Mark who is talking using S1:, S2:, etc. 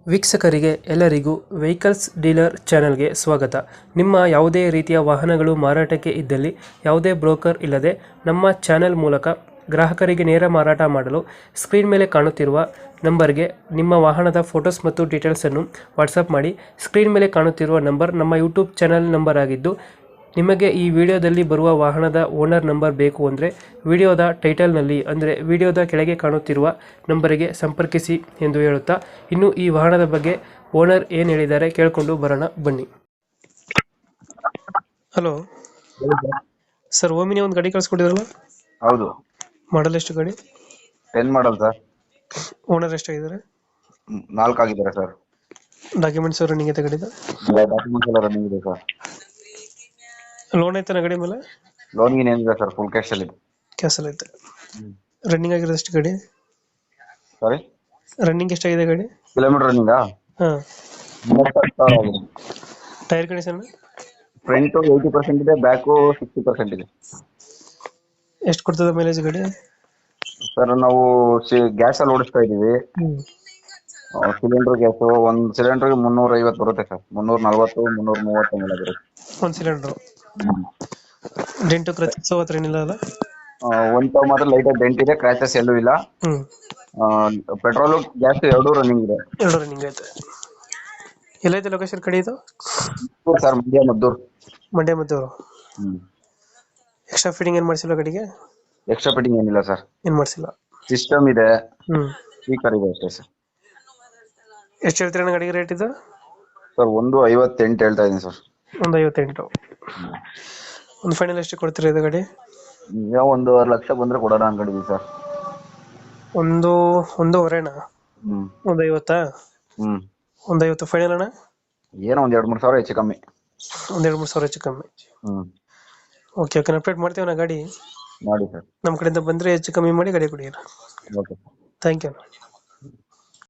S1: ವೀಕ್ಷಕರಿಗೆ ಎಲ್ಲರಿಗೂ vehicles dealer ಚಾನೆಲ್ಗೆ ಸ್ವಾಗತ. ನಿಮ್ಮ ಯಾವುದೇ ರೀತಿಯ ವಾಹನಗಳು ಮಾರಾಟಕ್ಕೆ ಇದ್ದಲ್ಲಿ ಯಾವುದೇ ಬ್ರೋಕರ್ ಇಲ್ಲದೆ ನಮ್ಮ ಚಾನೆಲ್ ಮೂಲಕ ಗ್ರಾಹಕರಿಗೆ ನೇರ ಮಾರಾಟ ಮಾಡಲು ಸ್ಕ್ರೀನ್ ಮೇಲೆ ಕಾಣುತ್ತಿರುವ ನಂಬರ್ಗೆ ನಿಮ್ಮ ವಾಹನದ ಫೋಟೋಸ್ ಮತ್ತು ಡೀಟೇಲ್ಸನ್ನು ವಾಟ್ಸಪ್ ಮಾಡಿ. ಸ್ಕ್ರೀನ್ ಮೇಲೆ ಕಾಣುತ್ತಿರುವ ನಂಬರ್ ನಮ್ಮ ಯೂಟ್ಯೂಬ್ ಚಾನೆಲ್ ನಂಬರ್ ಆಗಿದ್ದು, ನಿಮಗೆ ಈ ವಿಡಿಯೋದಲ್ಲಿ ಬರುವ ವಾಹನದ ಓನರ್ ನಂಬರ್ ಬೇಕು ಅಂದರೆ ವಿಡಿಯೋದ ಟೈಟಲ್ನಲ್ಲಿ ಅಂದರೆ ವಿಡಿಯೋದ ಕೆಳಗೆ ಕಾಣುತ್ತಿರುವ ನಂಬರಿಗೆ ಸಂಪರ್ಕಿಸಿ ಎಂದು ಹೇಳುತ್ತಾ, ಇನ್ನು ಈ ವಾಹನದ ಬಗ್ಗೆ ಓನರ್ ಏನು ಹೇಳಿದ್ದಾರೆ ಕೇಳಿಕೊಂಡು ಬರೋಣ ಬನ್ನಿ. ಹಲೋ ಸರ್, ಓಮಿನಿ ಒಂದು ಗಾಡಿ ಕಳಿಸ್ಕೊಟ್ಟಿದ್ರಲ್ಲ,
S2: ಹೌದು.
S1: ಮಾಡಲ್ ಎಷ್ಟು ಗಾಡಿ?
S2: 10 ಮಾಡಲ್ ಸರ್.
S1: ಓನರ್ ಎಷ್ಟಾಗಿದ್ದಾರೆ?
S2: 4 ಆಗಿದ್ದಾರೆ ಸರ್.
S1: ಡಾಕ್ಯುಮೆಂಟ್ಸ್ ರನ್ನಿಂಗ್ ಐತೆ ಗಾಡಿದ?
S2: ಡಾಕ್ಯುಮೆಂಟ್ಸ್ ಎಲ್ಲ ರನ್ನಿಂಗ್ ಇದೆ ಸರ್.
S1: ಲೋನ್ ಐತೆ ಗಾಡಿ ಮೇಲೆ?
S2: ಲೋನ್ ಗೀನ್ ಏನಿದೆ ಸರ್, ಫುಲ್ ಕ್ಯಾಶ್ ಅಲ್ಲಿ.
S1: ಕ್ಯಾನ್ಸಲ್ ಐತೆ. ರನ್ನಿಂಗ್ ಆಗಿರೋದು ಎಷ್ಟು ಗಾಡಿ?
S2: ಸಾರಿ,
S1: ರನ್ನಿಂಗ್ ಎಷ್ಟಾಗಿದೆ ಗಾಡಿ?
S2: ಕಿಲೋಮೀಟರ್ ರನ್ನಿಂಗ್
S1: ಹಾಂ.
S2: 30,000 ಆಗಿದೆ.
S1: Tyre condition?
S2: ಫ್ರಂಟ್ 80% ಇದೆ, ಬ್ಯಾಕ್ 60% ಇದೆ.
S1: ಎಷ್ಟು ಕೊಡ್ತದೆ ಮೈಲೇಜ್ ಗಾಡಿ?
S2: ಸರ್, ನಾವು ಗ್ಯಾಸ್ ಅಲ್ಲಿ ಓಡಿಸ್ತಾ ಇದೀವಿ. ಸಿಲಿಂಡರ್ ಗ್ಯಾಸ್ ಒಂದ್ ಸಿಲಿಂಡರ್ 350 ಬರುತ್ತೆ ಸರ್. 340 330 ಮೇಲೆ ಬರುತ್ತೆ
S1: ಒಂದು ಸಿಲಿಂಡ್ರು. ಡೆಂಟು ಕ್ರಚಸ್ ಹತ್ರ ಏನಿಲ್ಲ ಅಲ್ಲ?
S2: ಒಂದ್ ತಾವ್ ಮಾತ್ರ ಲೈಟ್ ಡೆಂಟ್ ಇದೆ, ಕ್ರ್ಯಾಚಸ್ ಎಲ್ಲೂ ಇಲ್ಲ. ಪೆಟ್ರೋಲ್ ಗ್ಯಾಸ್ ಎರಡೂ ರನ್ನಿಂಗ್ ಇದೆ.
S1: ಎರಡು ರನ್ನಿಂಗ್ ಐತೆ. ಎಲ್ಲೈತೆ ಲೊಕೇಶನ್ ಕಡೆ ಇದು?
S2: Sir, Mandya Maddur.
S1: Mandya Maddur. Extra fitting ಏನು ಮಾಡಿಸಿಲ್ಲ ಗಾಡಿಗೆ?
S2: ಎಕ್ಸ್ಟ್ರಾ ಫಿಟ್ಟಿಂಗ್ ಏನಿಲ್ಲ ಸರ್.
S1: ಏನು ಮಾಡಿಸಿಲ್ಲ.
S2: ಸಿಸ್ಟಮ್ ಇದೆ, ಸ್ಪೀಕರ್ ಇದೆ ಅಷ್ಟೇ ಸರ್.
S1: ಎಷ್ಟು ಹೇಳ್ತೀರ ಗಾಡಿಗೆ ರೇಟ್ ಇದು?
S2: ಸರ್, 158 ಹೇಳ್ತಾ ಇದೀನಿ ಸರ್.
S1: 158. ಒಂದು ಫೈನಲ್ ಎಷ್ಟು ಕೊಡ್ತೀರಾ ಇದು ಗಾಡಿ?
S2: ನೀವು 1.5 ಲಕ್ಷ ಬಂದ್ರೆ ಕೊಡೋಣ ಅನ್ಕೊಂಡಿದೀವಿ ಸರ್.
S1: ಒಂದೂವರೆನಾ? 150? 150 ಫೈನಲ್ ಅಣ್ಣ?
S2: ಏನೋ 2-3 ಸಾವಿರ ಹೆಚ್ಚು ಕಮ್ಮಿ.
S1: 2-3 ಸಾವಿರ ಹೆಚ್ಚು ಕಮ್ಮಿ. ಓಕೆ, ಅಪ್ಡೇಟ್ ಮಾಡ್ತೀವಿ ನಾ ಗಾಡಿ.
S2: ಮಾಡಿ ಸರ್.
S1: ನಮ್ಮ ಕಡೆಯಿಂದ ಬಂದರೆ ಹೆಚ್ಚು ಕಮ್ಮಿ ಮಾಡಿ ಗಾಡಿ ಕೊಡಿ.
S2: ಓಕೆ.
S1: Thank you.